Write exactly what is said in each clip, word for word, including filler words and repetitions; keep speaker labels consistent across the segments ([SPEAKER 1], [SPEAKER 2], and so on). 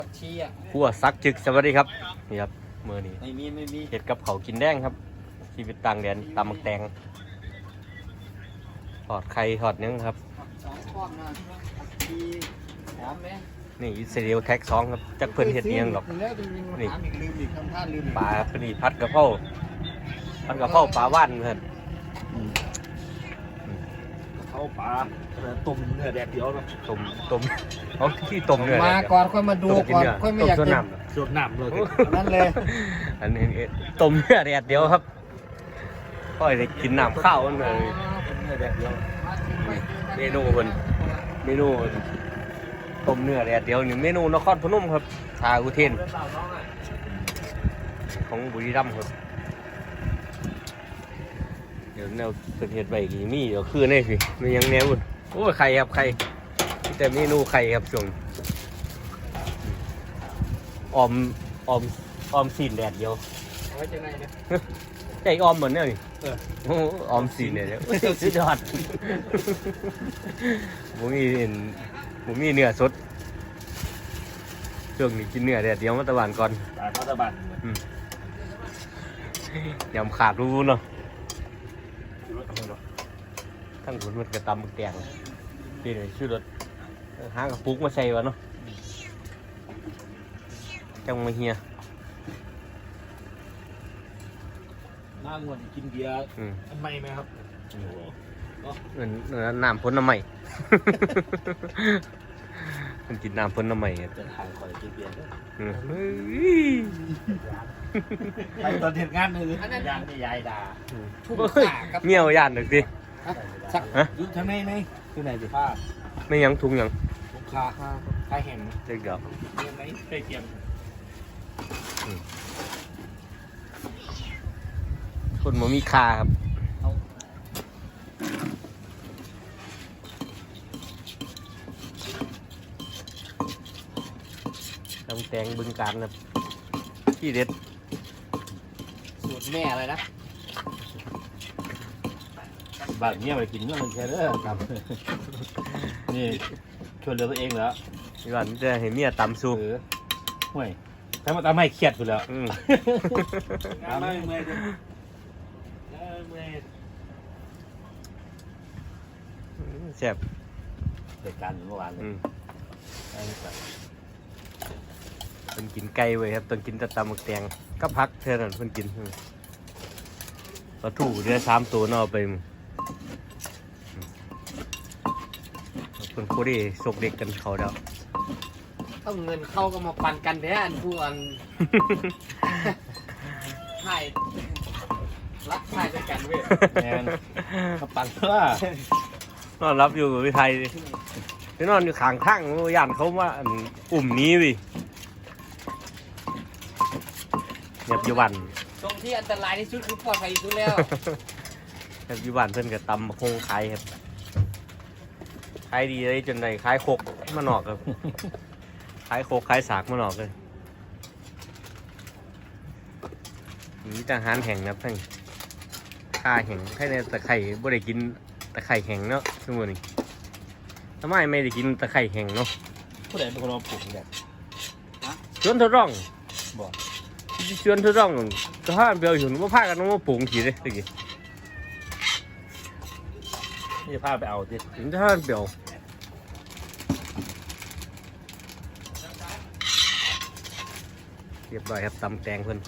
[SPEAKER 1] ชี้อ่ะ
[SPEAKER 2] ขั่วซักจึกสวัสดีครับนี่ครับมือนี้
[SPEAKER 1] ไม่มีไม่มี
[SPEAKER 2] เห็ดกับเขากินแดงครับชีวิตต่างแดนตำมักแตงทอดไข่ทอดเนื้อครับ
[SPEAKER 1] สองข้อนะชีหอมไหม
[SPEAKER 2] นี่อิสราเอลแท็กสองครับจักเพิ่นเห็ดเนียงหรอก
[SPEAKER 1] นี่ลืมอีกคำท่าลืม
[SPEAKER 2] ปลาปนีพัดกระเพราพัดกระเพราปลาว่านเพื่อน
[SPEAKER 3] เข้าปลาต้มเนื้อแดดเดียวนะ
[SPEAKER 2] ต้มต้มเขาที่ต้มเนื้อ
[SPEAKER 1] มาก่อนค่อยมาดูก่อนค่อยไม่อยากกิน
[SPEAKER 3] สดน้ำเลย
[SPEAKER 1] นั่นเลย
[SPEAKER 2] อันนี้ต้มเนื้อแดดเดียวครับค่อยได้กินน้ำข้าวนั่นเลย
[SPEAKER 3] เนื้อแดดเดียว
[SPEAKER 2] เมนูเพิ่นเมนูต้มเนื้อแดดเดียวนี่เมนูนครพนมครับชาอุเทนของบุรีรัมย์ครับเดี๋ยวแนวเกิดเหตุใบกี่มีเดี๋ยวคืนนี่สิมียังแนวอุ่นโอ้ยไข่ครับไข่แต่เมนูไข่ครับช่วงออมออมออมซีนแดดเดียว
[SPEAKER 1] เอาไว้จะไหนเนี่ย
[SPEAKER 2] ใจออมเหมือนเนี่ยนี่โอ้ออมซีนเนี่ยสุดยอดผมมีผมมีเนื้อสดช่วงนี้กินเนื้อแดดเดียวมาตะวันก่อน
[SPEAKER 3] ตาข้าวตะบัน
[SPEAKER 2] ยำขาดรู้เนาะทั้งผลมันกระตำแกงนี่เลยชื่อรถหากระปุกมาใส่วะเนาะจังมาเฮีย
[SPEAKER 3] หน้างวนกินเบียร์ทำไมไหมครับ
[SPEAKER 2] เหมือนน้ำพ้นน้ำใหม่มันกินน้ำพ้นน้ำใหม่
[SPEAKER 3] จะทานคอยกินเบียร์
[SPEAKER 1] ไปตอนเห็นงานเลย
[SPEAKER 3] ยานไม่ยายด่า
[SPEAKER 2] เงี้ยวยานหนึ่งสิ
[SPEAKER 1] สักยุ่งทางไหนไหมที่ไหนสิผ้า
[SPEAKER 2] ไม่ยังทุงยัง
[SPEAKER 1] ทุกคาคาแห่ง
[SPEAKER 2] เจ๊กเดี๋ยว
[SPEAKER 3] เตรียมไหมเคยเตรียม
[SPEAKER 2] คนมันมีคาครับตำแตงบึงการนะที่เด็ด
[SPEAKER 1] สูตรแม่อะไรนะ
[SPEAKER 3] บาดเนี้ยไปกินเนื้อมันแค่เด้อครับนี่ชวนเรือตัวเองเหรอ
[SPEAKER 2] นี่วันจะเห็นเมียตำซู
[SPEAKER 3] ห่วยถ้ามาตำให้เครียดไปแล้วตำไม่เมื่อยเมื่อย
[SPEAKER 2] แซ่บ
[SPEAKER 3] เหตุการณ์เมื่อวานเลย
[SPEAKER 2] เพิ่นกินไก่ไว้ครับต้องกินแต่ตำหมึกแตงก็พักเท่านั้นเพิ่นกินปลาทูเรือสามตัวน่าไปเพิ่นโคตรสกเด็กกันเขาเดา
[SPEAKER 1] ต้องเงินเข้าก็มาปั่นกันแท้อันผู้อันใช่รักใช่ด้วยกันเว้ย
[SPEAKER 3] แมนมาปั่นเพื่
[SPEAKER 2] อนอนรับอยู่กับพี่ไทยที่นอนอยู่ข้างข้างย่านเขาว่าอุ่มนี้วิยับยุบัน
[SPEAKER 1] ตรงที่อันตรายที่สุดคือปลอดภัยที่สุดแล้ว
[SPEAKER 2] ยับยุบันเพิ่นกับตำคงขายครับขายดีเลยจนไหนขายโคกมาหนอกครับขายโคกขายสากมาหนอกเลยนี่จะหารแห่งนะเพิ่งค่าแห่งแค่ในตะไคร่บ่ได้กินตะไคร่แห่งเนาะชั่วโมงนี้ทำไมไม่ได้กินตะไคร่แห่งเนาะ
[SPEAKER 3] ผู้ใดเป็นคนเอาปลูกเนี่ย
[SPEAKER 2] ชวนทดลองบอกชวนทดลองก็ห้ามเบลอยู่ว่าพากันน้องมาปลูกทีเลยตะกี้
[SPEAKER 3] นี่พาไปเอาดิ
[SPEAKER 2] ถึงจะห้ามเบลเรียบร้อยครับตำแตงเพิ่น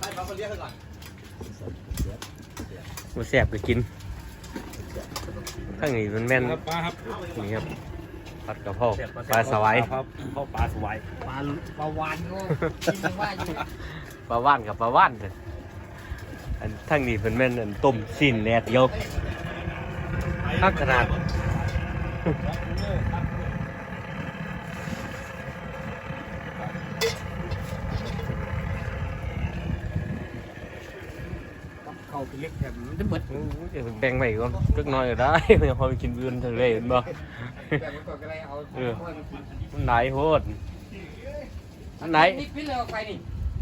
[SPEAKER 2] มาแซ่บไปกินข้างนี้มันแม่น
[SPEAKER 3] ครับปลาครับ
[SPEAKER 2] นี่ครับผัดกะเพราปลาสวาย
[SPEAKER 3] ครับข้าวปลาสวาย
[SPEAKER 1] ปลาปลาวานก็กินว่าอยู่
[SPEAKER 2] ปลาว่านกับปลาว่านเลยอันทั้งนี้เป็นแม่นต้มสิ้นแดดเดียวข้างขนาด
[SPEAKER 1] เขาไปเล็กแบบมันจะเหมือน
[SPEAKER 2] แบ่งไปก่อนเล็กน้อยก็ได้ไม่พอไปกินเบือนทะเลเห็นบ่เออมันไหนโหดอันไหน
[SPEAKER 1] พี่เลือกไปนี่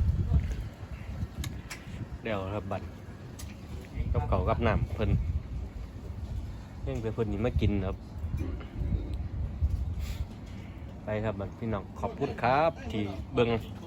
[SPEAKER 2] เดี๋ยวครับบัตรกับเก่ากับน้ำเพิ่นเรื่องเพิ่นนี่มากินครับไปครับบัดพี่น้องขอบคุณครับที่เบิ่ง